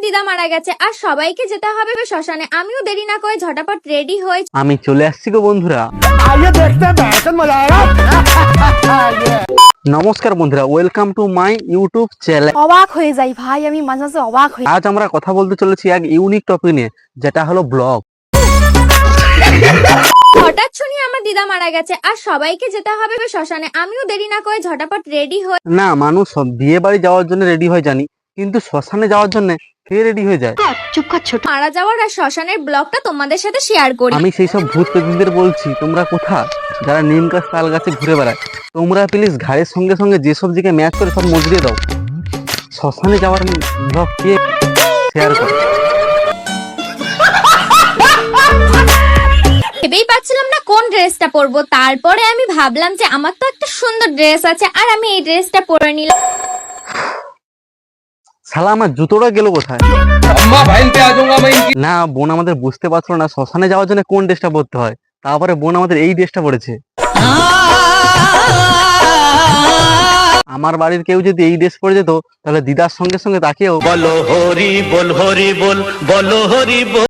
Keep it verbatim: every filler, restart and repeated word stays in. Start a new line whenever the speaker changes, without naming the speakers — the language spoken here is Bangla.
দিদা মারা গেছে আর সবাইকে যেতে হবে শ্মশানে। আমিও দেরি না করে ঝটাপট রেডি হয়ে
আমি চলে আসছি গো বন্ধুরা। নমস্কার বন্ধুরা, welcome to my YouTube channel.
অবাক হয়ে যাই ভাই, আমি মাঝে মাঝে অবাক হই।
আজ আমরা কথা বলতে চলেছি এক ইউনিক টপিক নিয়ে, যেটা হলো ব্লগ।
হঠাৎ শুনি আমার দিদা মারা গেছে আর সবাইকে যেতে হবে শ্মশানে। আমিও দেরি না করে ঝটাপট রেডি হয়ে
না, মানুষ সব বিয়ে বাড়ি যাওয়ার জন্য রেডি হয় জানি, কিন্তু শ্মশানে যাওয়ার জন্য কে রেডি হয়ে যায়?
মারা যাওয়ার আর শ্মশানের ব্লগটা তোমাদের সাথে শেয়ার করি।
আমি সেই সব ভূত প্রেমীদের বলছি, তোমরা কোথায় যারা নিম গাছ তাল গাছে ঘুরে বেড়ায়, তোমরা প্লিজ ঘাড়ের সঙ্গে সঙ্গে যেসব দিকে ম্যাচ করে সব মজুরিয়ে দাও। শ্মশানে যাওয়ার ব্লগ কে শেয়ার করে?
ভেবেই পাচ্ছিলাম না কোন ড্রেসটা পরবো। তারপরে আমি ভাবলাম যে আমার তো একটা সুন্দর ড্রেস আছে আর আমি এই ড্রেসটা পরে নিলাম।
শালা আমার জুতোটা গেল কোথায়? না, বোন আমাদের বুঝতে পারছিল না শ্মশানে যাওয়ার জন্য কোন ড্রেসটা পরতে হয়। তারপরে বোন আমাদের এই ড্রেসটা পরেছে। আমার বাড়ির কেউ যদি এই ড্রেস পরে যেত, তাহলে দিদার সঙ্গে সঙ্গে তাকেও
বলো হরি বল হরি বল বলো হরি বল।